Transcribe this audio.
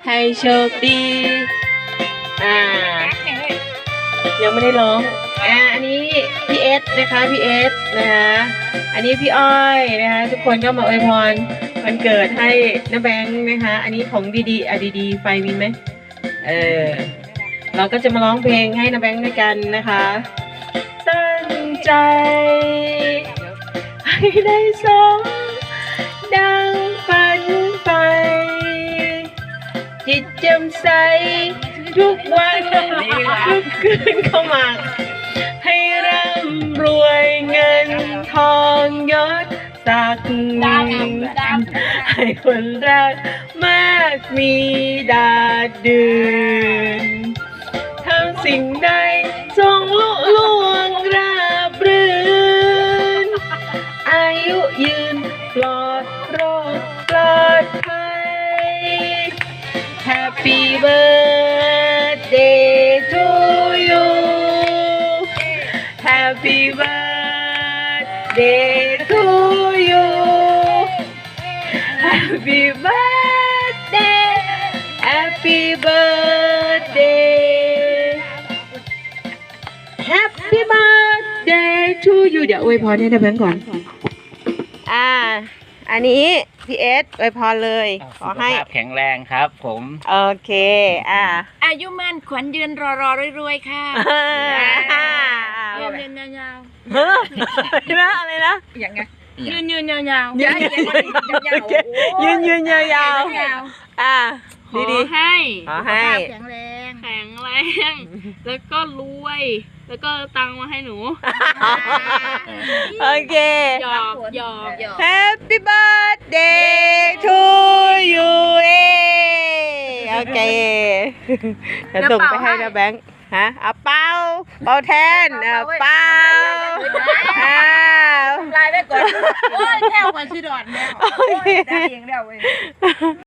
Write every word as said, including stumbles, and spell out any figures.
ให้โชคดีอ่ายังไม่ได้ร้องอ่าอันนี้พี่เอสนะคะพี่เอสนะคะอันนี้พี่อ้อยนะคะทุกคนก็มาอวยพรวันเกิดให้น้าแบงค์นะคะอันนี้ของดีๆอ่ะดีๆไฟมีไหมเออเราก็จะมาร้องเพลงให้น้าแบงค์ด้วยกันนะคะตั้งใจให้ได้สมดังฝันไปจิตแจ่มใสทุกวันทุกคืนเข้ามาให้ร่ำรวยเงินทองยศศักดิ์ให้คนรักมากมีดาดดืนทำสิ่งใดจงลุล่วงราบรื่นอายุยืนปลอดโรคปลอดภัย Happy birthday to you Happy birthday to you Happy birthday Happy birthday Happy birthday to you เดี๋ยวอวยพรให้นะแบงค์ก่อนอ่าอันนี้พี่เอสอวยพรเลยขอให้แข็งแรงครับผมโอเคอ่าอายุมั่นขวัญยืนรอรอรวยๆค่ะยืนยืนยาวๆเฮ้ยนะอะไรนะอย่างไงยืนยืนยาวๆยืนยืนยืนยาวๆอ่าดีดีให้ขอให้แข็งแรงแข็งแรงแล้วก็รวยแล้วก็ตังมาให้หนูโอเคหยอกหยอก Happy birthday to you โอเคจะส่งไปให้นะแบงค์ฮะเอาเป้าเป้าแทนเอาเป้าอ้าวลายได้ก่อนโอ้ยแถวก่อนชื่อดอนแมวโอ้ยได้เองเดียวเว้ย